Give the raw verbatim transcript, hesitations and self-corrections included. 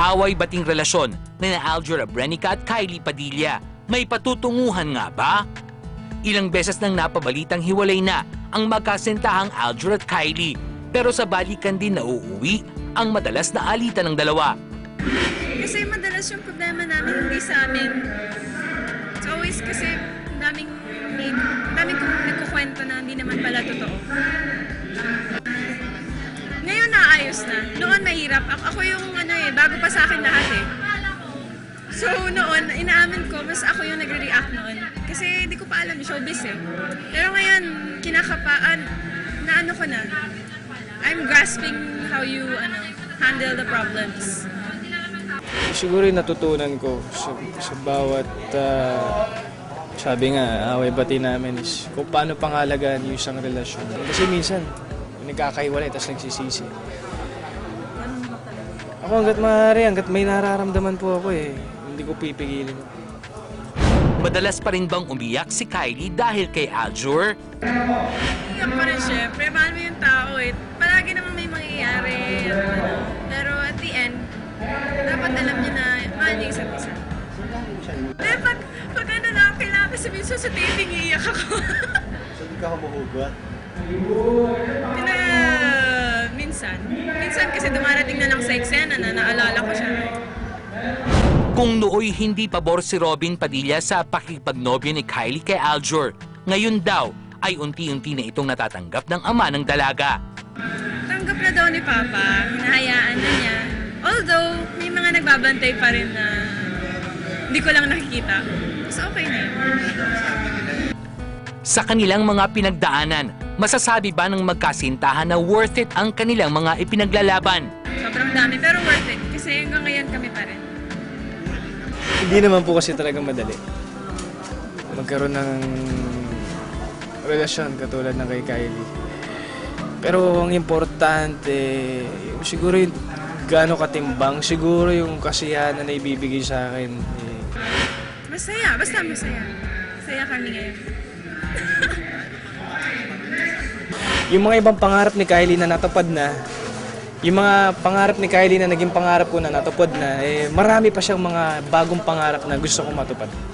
away-bating relasyon ni Aljur Abrenica at Kylie Padilla. May patutunguhan nga ba? Ilang beses nang napabalitang hiwalay na ang magkasintahang Aljur at Kylie. Pero sa balikan din nauuwi ang madalas na alitan ng dalawa. Kasi madalas yung problema namin hindi sa amin. It's always kasi daming, daming nagkukwento na hindi naman pala totoo. Ngayon naayos na. Noon mahirap. Ako, ako yung ano eh, bago pa sa akin lahat eh. So noon, inaamin ko, mas ako yung nagre-react noon. Kasi hindi ko pa alam, showbiz eh. Pero ngayon, kinakapaan, na ano ko na. I'm grasping how you ano, handle the problems. Siguro yung natutunan ko sa, sa bawat, uh, sabi nga, away-bati namin is kung paano pangalagaan yung isang relasyon. Kasi minsan, nagkakaiwalay tapos nagsisisi. Ako hanggat maaari, hanggat may nararamdaman po ako eh, hindi ko pipigilin. Madalas pa rin bang umiyak si Kylie dahil kay Aljur? Iyak pa rin syempre, mahal mo yung tao eh. Palagi naman may mangyayari. Pero at the end, dapat alam niyo na mahal niyo isa't isa. Eh, pag, pag ano lang, kailangan kasi minsan sa taping iiyak ako. So, di ka humuhugot? Pina, minsan. Minsan kasi dumarating na lang sa eksena na naalala ko siya. Kung nooy hindi pabor si Robin Padilla sa pakikipagnobyo ni Kylie kay Aljur, ngayon daw ay unti-unti na itong natatanggap ng ama ng dalaga. Tanggap na daw ni Papa, hinahayaan na niya. Although, may mga nagbabantay pa rin na hindi ko lang nakikita. Mas okay na yun. Sa kanilang mga pinagdaanan, masasabi ba ng magkasintahan na worth it ang kanilang mga ipinaglalaban? Sobrang dami, pero worth it. Kasi hanggang ngayon kami pa rin. Hindi naman po kasi talaga madali magkaroon ng relasyon katulad ng kay Kylie. Pero ang importante, siguro yung gaano katimbang, siguro yung kasiyahan na naibibigay sa akin. Eh. Masaya, basta masaya. Masaya kami ngayon. Yung mga ibang pangarap ni Kylie na natupad na, yung mga pangarap ni Kylie na naging pangarap ko na natupad na, eh, marami pa siyang mga bagong pangarap na gusto kong matupad.